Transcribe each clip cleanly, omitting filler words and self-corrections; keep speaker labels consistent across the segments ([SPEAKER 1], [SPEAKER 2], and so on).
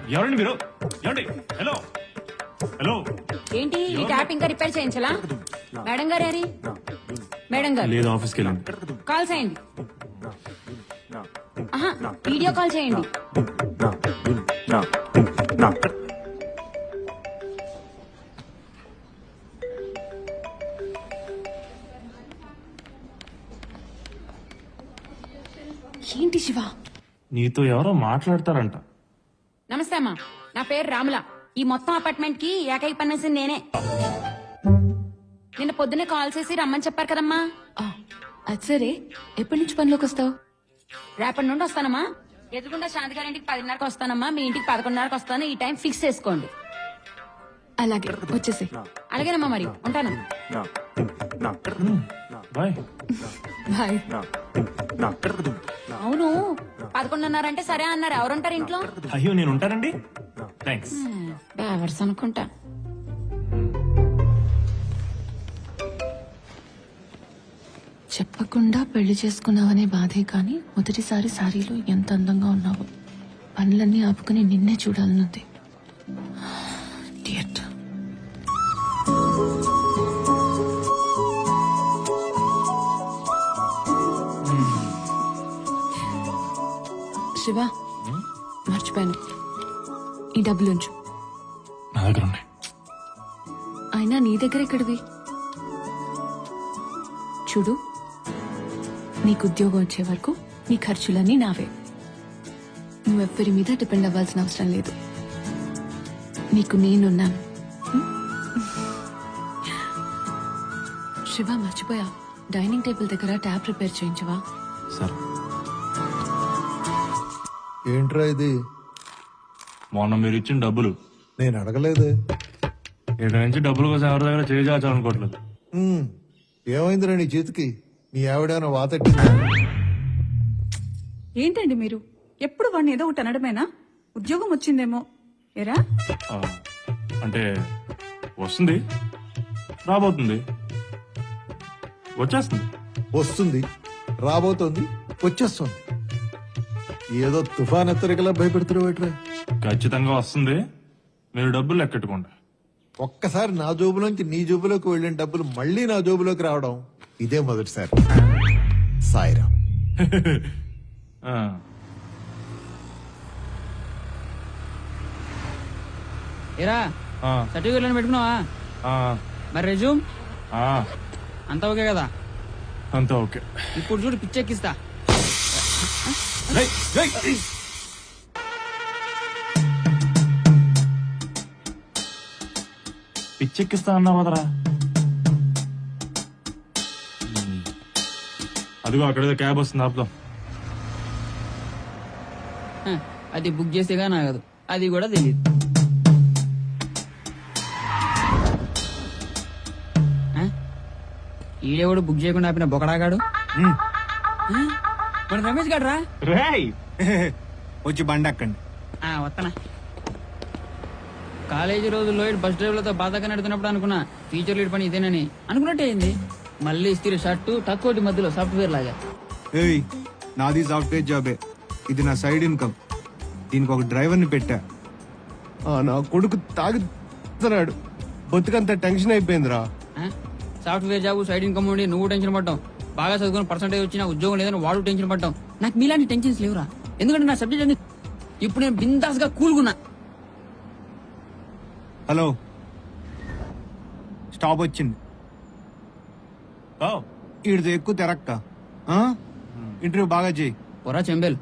[SPEAKER 1] ఎవరండి మీరు? ఏమండి? Hello hello.
[SPEAKER 2] ఏంటి ఈ ట్యాప్ ఇంకా రిపేర్ చేయించలా? మేడం గారు ఏరి? మేడం గారు
[SPEAKER 1] లేదు, ఆఫీస్కి వెళ్ళండి.
[SPEAKER 2] కాల్ చేయండి. ఆహా, వీడియో కాల్ చేయండి. ఏంటి శివ?
[SPEAKER 1] నీతో ఎవరో మాట్లాడతారంట.
[SPEAKER 2] నమస్తే అమ్మా, నా పేరు రాముల. ఈ మొత్తం అపార్ట్మెంట్ కి ఏకైక పనేసి నేనే. నిన్న పొద్దునే కాల్ చేసి రమ్మని చెప్పారు కదమ్మా.
[SPEAKER 3] అది సరే, ఎప్పటి నుంచి పనిలోకి వస్తావు?
[SPEAKER 2] రేపటి నుండి వస్తానమ్మా. ఎదుగుండా శాంతి గారింటికి 10:30కి వస్తానమ్మా. మీ ఇంటికి 11:30కి వస్తాను. ఈ టైం ఫిక్స్ చేసుకోండి.
[SPEAKER 3] అలాగే, వచ్చేసి.
[SPEAKER 2] అలాగేనమ్మా, మరి ఉంటాను.
[SPEAKER 1] Bye
[SPEAKER 3] bye.
[SPEAKER 2] అవును, 11:30 అంటే సరే అన్నారు. ఎవరుంటారు ఇంట్లో?
[SPEAKER 1] అయ్యో, నేను ఉంటానండి. థ్యాంక్స్.
[SPEAKER 2] డ్రైవర్స్ అనుకుంటా.
[SPEAKER 3] చెప్పకుండా పెళ్లి చేసుకున్నావనే బాధే కాని మొదటిసారి సారీలో ఎంత అందంగా ఉన్నావు. పనులన్నీ ఆపుకుని నిన్నే చూడాలనుంది. Idiot. శివ, మర్చిపోయాను. ఈ డబ్బులు ఉంచు.
[SPEAKER 1] నా దగ్గర ఉన్నాయి.
[SPEAKER 3] అయినా నీ దగ్గర ఎక్కడివి? చూడు, నీకు ఉద్యోగం వచ్చే వరకు నీ ఖర్చులన్నీ నావే. నువ్వెవ్వరి మీద డిపెండ్ అవ్వాల్సిన అవసరం లేదు. నీకు నేనున్నాను. శివ, మర్చిపోయా, డైనింగ్ టేబుల్ దగ్గర ట్యాప్ రిపేర్ చేయించవా?
[SPEAKER 1] సరే.
[SPEAKER 4] ఏంట్రా ఇది?
[SPEAKER 1] మొన్న మీరు ఇచ్చిన డబ్బులు.
[SPEAKER 4] నేను అడగలేదు.
[SPEAKER 1] ఇక్కడ నుంచి డబ్బుల కోసం ఎవరి దగ్గర చేయాలనుకోవట్లేదు.
[SPEAKER 4] ఏమైందిరా నీ చేతికి? నీ ఆవిడేమైనా వాతెట్టిందా?
[SPEAKER 5] ఏంటండి మీరు ఎప్పుడు వాడిని ఏదో ఒకటి అనడమేనా? ఉద్యోగం వచ్చిందేమో ఏరా?
[SPEAKER 1] అంటే వస్తుంది, రాబోతుంది, వచ్చేస్తుంది.
[SPEAKER 4] వస్తుంది, రాబోతోంది, వచ్చేస్తుంది. ఏదో తుఫాన్ హెచ్చరికలా భయపెడుతున్నావు.
[SPEAKER 1] ఖచ్చితంగా వస్తుంది. మీరు డబ్బులు లెక్కెట్టుకోండి.
[SPEAKER 4] ఒక్కసారి నా జోబులోంచి నీ జోబులోకి వెళ్ళిన డబ్బులు మళ్ళీ నా జోబులోకి రావడం ఇదే మొదటిసారి. సాయిరామ్.
[SPEAKER 1] ఆ,
[SPEAKER 6] ఏరా,
[SPEAKER 1] ఆ,
[SPEAKER 6] సర్టిఫికెట్ పెట్టుకున్నావా?
[SPEAKER 1] ఆ,
[SPEAKER 6] మరి రెజ్యూమ్
[SPEAKER 1] ఆ,
[SPEAKER 6] అంతా ఓకే కదా?
[SPEAKER 1] అంతా ఓకే.
[SPEAKER 6] ఇప్పుడు చూడు, పిచ్చెక్కిస్తా.
[SPEAKER 1] రేయ్, రేయ్. పిచ్చెక్కిస్తా అన్నావు కదరా. అదిగో అక్కడేదో క్యాబ్ వస్తుంది, ఆపుదాం.
[SPEAKER 6] అది బుక్ చేసేగా నాగదు, అది కూడా తెలియదు. ఈడేవాడు బుక్ చేయకుండా ఆపిన బొకడాగాడు. మన రమేష్ గాడు రా.
[SPEAKER 1] రేయ్,
[SPEAKER 7] వచ్చి బండి అక్కండి.
[SPEAKER 6] వస్తానా. కాలేజీ రోజుల్లో బస్ డ్రైవర్లతో బాధగా నడుతున్నప్పుడు అనుకున్నా టీచర్ లీడ్ పని ఇదేనని. అనుకున్నట్టే అయింది. మళ్ళీ ఇస్త్రీ షర్టు తక్కువ మధ్యలో సాఫ్ట్వేర్ లాగా.
[SPEAKER 7] ఏయ్, నాది సాఫ్ట్వేర్ జాబే. ఇది నా సైడ్ ఇన్కమ్. దీనికి ఒక డ్రైవర్ని పెట్టా. నా కొడుకు తాగుతున్నాడు. బతుకంత టెన్షన్ అయిపోయిందిరా.
[SPEAKER 6] సాఫ్ట్వేర్ జాబ్, సైడ్ ఇన్కమ్ ఉండి నువ్వు టెన్షన్ పడ్డావు. బాగా చదువుకుని పర్సెంటేజ్ వచ్చినా ఉద్యోగం లేదని వాడు టెన్షన్ పడ్డావు. నాకు మీలాంటి టెన్షన్స్ లేవురా. ఎందుకంటే నా సబ్జెక్ట్ అన్ని ఇప్పుడు నేను బిందాస్ గా కూల్గున్నా.
[SPEAKER 7] హలో, స్టాప్ వచ్చింది. ఈడితో ఎక్కువ తెరక్క. ఇంటర్వ్యూ బాగా చేయి.
[SPEAKER 6] పొరా చెంబేల్.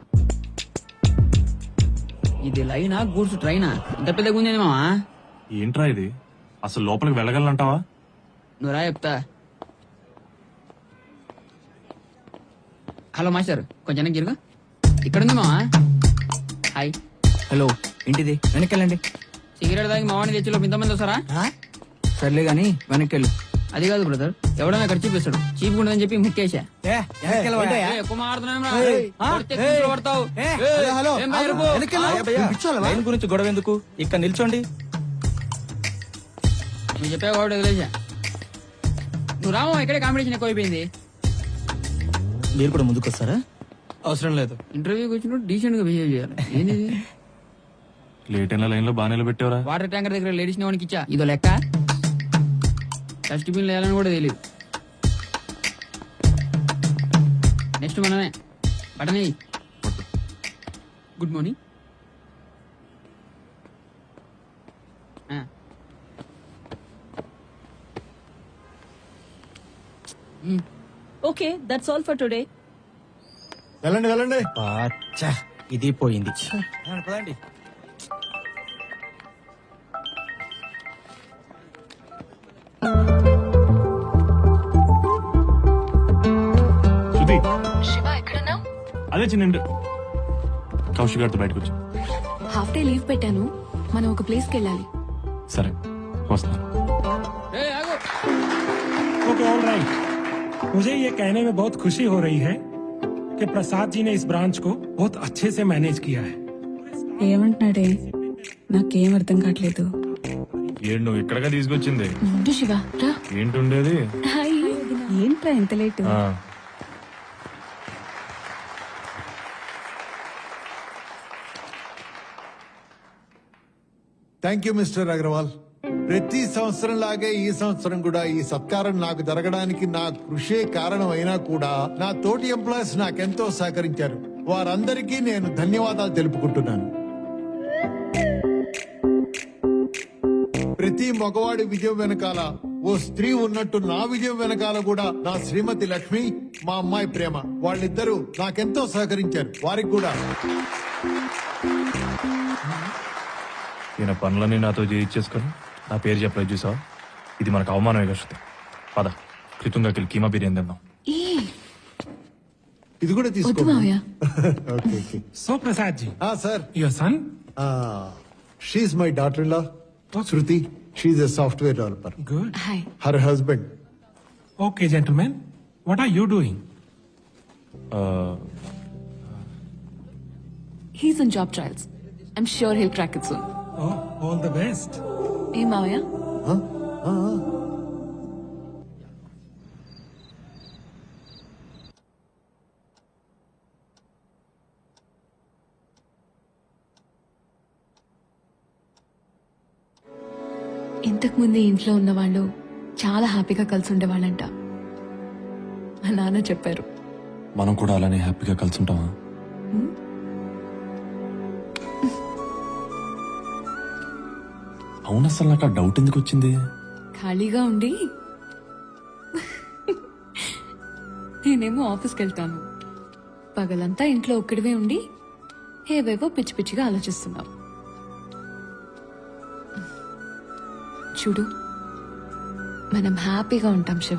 [SPEAKER 6] ఇది లైనా గూడ్స్ ట్రైనా? ఇంత పెద్దగా ఉంది మావా.
[SPEAKER 1] ఏంట్రా ఇది? అసలు లోపలికి వెళ్ళగలనంటావా?
[SPEAKER 6] నువ్వు రా చెప్తా. హలో మాస్టర్, కొంచెం గిరుగా. ఇక్కడ ఉంది మావా. హాయ్.
[SPEAKER 8] హలో, ఏంటిది? వెనక్కెళ్ళండి.
[SPEAKER 6] సిగరెట్ తాగి మావాడిని తెచ్చిలో ఇంతమంది వస్తారా?
[SPEAKER 8] సర్లే గాని వెనక్కెళ్ళు.
[SPEAKER 6] అది కాదు బ్రదర్, ఎవడన్నా ఖర్చు చూపిస్తాడు. చీప్ ఉండదని చెప్పి ముక్కేసా. ఎక్కువ
[SPEAKER 8] లైన్ గురించి గొడవ ఎందుకు? ఇక్కడ నిల్చోండి.
[SPEAKER 6] నువ్వు చెప్పావు కాబట్టి వదిలేసా. నువ్వు రామో, ఇక్కడే కాంపిటీషన్ ఎక్కువైపోయింది.
[SPEAKER 8] మీరు కూడా ముందుకు వస్తారా? అవసరం లేదు.
[SPEAKER 6] ఇంటర్వ్యూకి వచ్చినప్పుడు డీసెంట్ గా బిహేవ్ చేయాలి. ఏంది
[SPEAKER 1] లేట్ అయిన లైన్ లో బాగా నిలబెట్టావరా.
[SPEAKER 6] వాటర్ ట్యాంకర్ దగ్గర లేడీస్ వానికి ఇచ్చా ఇదో లెక్క. డస్ట్బిన్ వేయాలని కూడా తెలియదు. నెక్స్ట్ మనమే button. Good morning.
[SPEAKER 5] Okay that's all for today.
[SPEAKER 4] వెళ్ళండి వెళ్ళండి.
[SPEAKER 8] అచ్చా ఇది పోయింది. పదండి.
[SPEAKER 1] శృతి
[SPEAKER 3] శివ ఎక్కడున్నావు?
[SPEAKER 1] అదే చిన్న కౌశిక్ గారితో బయటకు వచ్చా.
[SPEAKER 3] హాఫ్ డే లీవ్ పెట్టాను, మనం ఒక ప్లేస్ కి వెళ్ళాలి.
[SPEAKER 1] సరే వస్తాను.
[SPEAKER 9] Okay all right. मुझे ये कहने में बहुत खुशी हो रही है कि प्रसाद जी ने इस ब्रांच को बहुत अच्छे से मैनेज किया है।
[SPEAKER 5] ఏమంటున్నాడే నాకేం అర్థం కావట్లేదు.
[SPEAKER 1] ఏంటి నువ్వు ఇక్కడగా తీసుకొచ్చింది?
[SPEAKER 3] ఉండు శివ రా.
[SPEAKER 1] ఏంటి ఉండేది?
[SPEAKER 3] హాయ్.
[SPEAKER 5] ఏంట్రా ఎంత లేట్?
[SPEAKER 1] ఆ,
[SPEAKER 4] థ్యాంక్ యూ మిస్టర్ అగర్వాల్. ప్రతి సంవత్సరం లాగే ఈ సంవత్సరం కూడా ఈ సత్కారం నాకు జరగడానికి నా కృషే కారణం అయినా కూడా నా తోటి ఎంప్లాయీస్ నాకెంతో సహకరించారు. వారందరికీ నేను ధన్యవాదాలు తెలుపుకుంటున్నాను. ప్రతి మగవాడి విజయం వెనకాల ఓ స్త్రీ ఉన్నట్టు నా విజయం వెనకాల కూడా నా శ్రీమతి లక్ష్మి, మా అమ్మాయి ప్రేమ, వాళ్ళిద్దరూ నాకెంతో సహకరించారు. వారికి కూడా
[SPEAKER 1] ఈయన పనులన్నీ నాతో చేయించేసుకొని నా పేరు చెప్పలేదు చూసావా? ఇది మనకు అవమానమే కదా శృతి. పద కృతంగాకి కీమా బిర్యానీ తిందాం.
[SPEAKER 3] ఈ
[SPEAKER 4] ఇది కూడా
[SPEAKER 3] వద్దు
[SPEAKER 4] తీసుకో.
[SPEAKER 3] మావయ్య.
[SPEAKER 4] Okay okay.
[SPEAKER 9] So Prasad ji,
[SPEAKER 4] sir,
[SPEAKER 9] your son?
[SPEAKER 4] She's my daughter in law Shruti. She's a software developer.
[SPEAKER 9] Good.
[SPEAKER 3] Hi.
[SPEAKER 4] Her husband.
[SPEAKER 9] Okay, gentlemen, what are you doing?
[SPEAKER 3] He's in job trials. I'm sure he'll crack it soon.
[SPEAKER 9] Oh, all the best.
[SPEAKER 3] ఏ మావయ్య? ఇంతకు ముందు ఇంట్లో ఉన్న వాళ్ళు చాలా హ్యాపీగా కలిసి ఉండేవాళ్ళంట. మా నాన్న చెప్పారు.
[SPEAKER 1] మనం కూడా అలానే హ్యాపీగా కలిసి ఉంటామా? అవును, అసలు నాకు ఆ డౌట్ ఎందుకు వచ్చింది?
[SPEAKER 3] ఖాళీగా ఉండి నేనేమో ఆఫీస్కి వెళ్తాను, పగలంతా ఇంట్లో ఒక్కడివే ఉండి ఏవేవో పిచ్చి పిచ్చిగా ఆలోచిస్తున్నావు. చూడు, మనం హ్యాపీగా ఉంటాం శివ.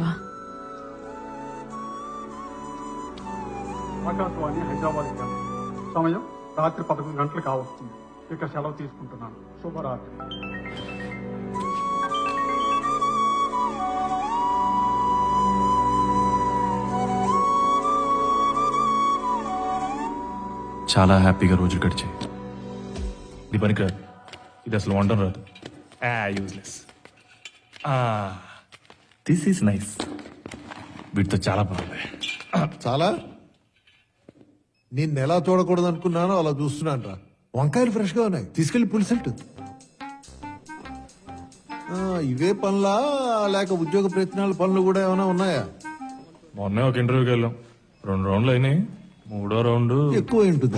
[SPEAKER 10] ఆకాశవాణి హైదరాబాద్ కేంద్రం. సమయం రాత్రి 11 గంటలు కావస్తుంది. ఇక సెలవు తీసుకుంటున్నాను. శుభరాత్రి.
[SPEAKER 1] చాలా హ్యాపీగా రోజులు గడిచాయి. ఇది పనికిరాదు, ఇది అసలు వండడం రాదు. యూజ్లెస్. This is nice. వీటితో చాలా బాగుంది.
[SPEAKER 4] చాలా నిన్ను ఎలా చూడకూడదు అనుకున్నానో అలా చూస్తున్నాను రా. వంకాయలు ఫ్రెష్ గా ఉన్నాయి, తీసుకెళ్లి పులిసెట్టు. ఇవే పనులా లేక ఉద్యోగ ప్రయత్నాల పనులు కూడా ఏమైనా ఉన్నాయా?
[SPEAKER 1] మొన్నే ఒక ఇంటర్వ్యూకి వెళ్ళాం, 2 రౌండ్లు అయినాయి. 3వ రౌండ్
[SPEAKER 4] ఎక్కువ ఉంటుంది.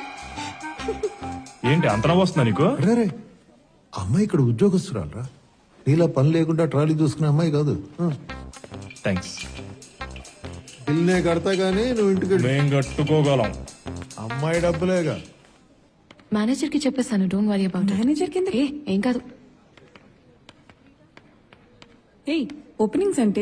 [SPEAKER 1] ఏంటి అంతనా వస్తుందా నీకు?
[SPEAKER 4] రే, అమ్మాయి ఇక్కడ ఉద్యోగస్తురాలు రా. నీలా పని లేకుండా ట్రాలీ చూసుకునే అమ్మాయి కాదు.
[SPEAKER 1] థ్యాంక్స్.
[SPEAKER 4] బిల్నే కడతా గానీ నువ్వు ఇంటికి వెళ్ళు.
[SPEAKER 1] మేం కట్టుకోగలం.
[SPEAKER 4] అమ్మాయి డబ్బులేగా.
[SPEAKER 3] మేనేజర్ కి చెప్పేస్తాను, don't worry about it.
[SPEAKER 5] Manager కింద
[SPEAKER 3] ఏం కాదు.
[SPEAKER 5] ఏయ్, ఓపెనింగ్స్ అంటే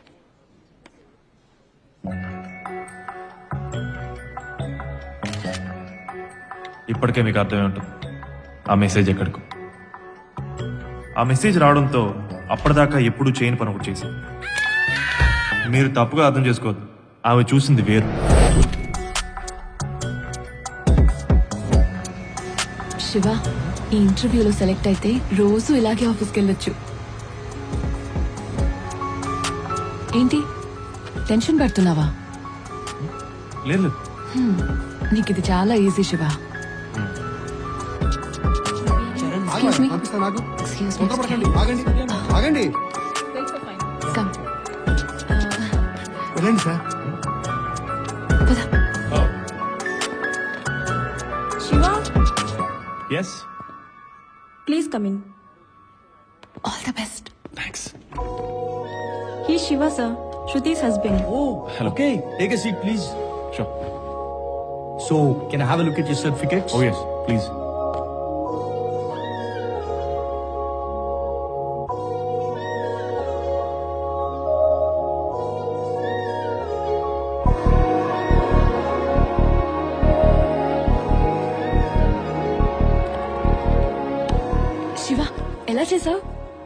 [SPEAKER 1] ఇప్పటికే మీకు అర్థమై ఉంటుంది ఆ మెసేజ్ ఎక్కడికో. ఆ మెసేజ్ రావడంతో అప్పటిదాకా ఎప్పుడు చేయని పని ఒకటి చేశాం. మీరు తప్పుగా అర్థం చేసుకోవద్దు, ఆమె చూసింది వేరు.
[SPEAKER 3] శివ, ఈ ఇంటర్వ్యూలో సెలెక్ట్ అయితే రోజు ఇలాగే ఆఫీస్కి వెళ్ళొచ్చు. ఏంటి టెన్షన్ పడుతున్నావా?
[SPEAKER 1] లేదు,
[SPEAKER 3] నీకు ఇది చాలా ఈజీ శివ. Excuse me.
[SPEAKER 7] పంపిస్తాను నాకు.
[SPEAKER 3] Excuse me.
[SPEAKER 7] తొందరపడకండి. ఆగండి ఆగండి
[SPEAKER 3] Come.
[SPEAKER 7] వెళ్ళండి సార్.
[SPEAKER 3] పద.
[SPEAKER 5] Shiva
[SPEAKER 1] yes
[SPEAKER 5] please come in.
[SPEAKER 3] All the best.
[SPEAKER 1] Thanks.
[SPEAKER 5] He Shiva sir, Shruti's husband.
[SPEAKER 8] Oh, okay. Take a seat, please.
[SPEAKER 1] Sure.
[SPEAKER 8] So, can I have a look at your certificates?
[SPEAKER 1] Oh yes please.
[SPEAKER 3] Shiva ఎలా చేసావు?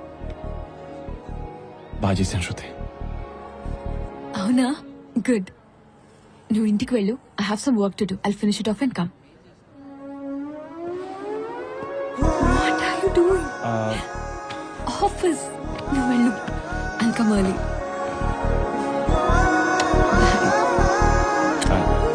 [SPEAKER 1] బాగా చేశాను శృతి.
[SPEAKER 3] అవునా? Good. నువ్వు ఇంటికి వెళ్ళు. I have some work to do. I'll finish it off and come. What are you doing? Office. నువ్వు వెళ్ళు. I'll come early.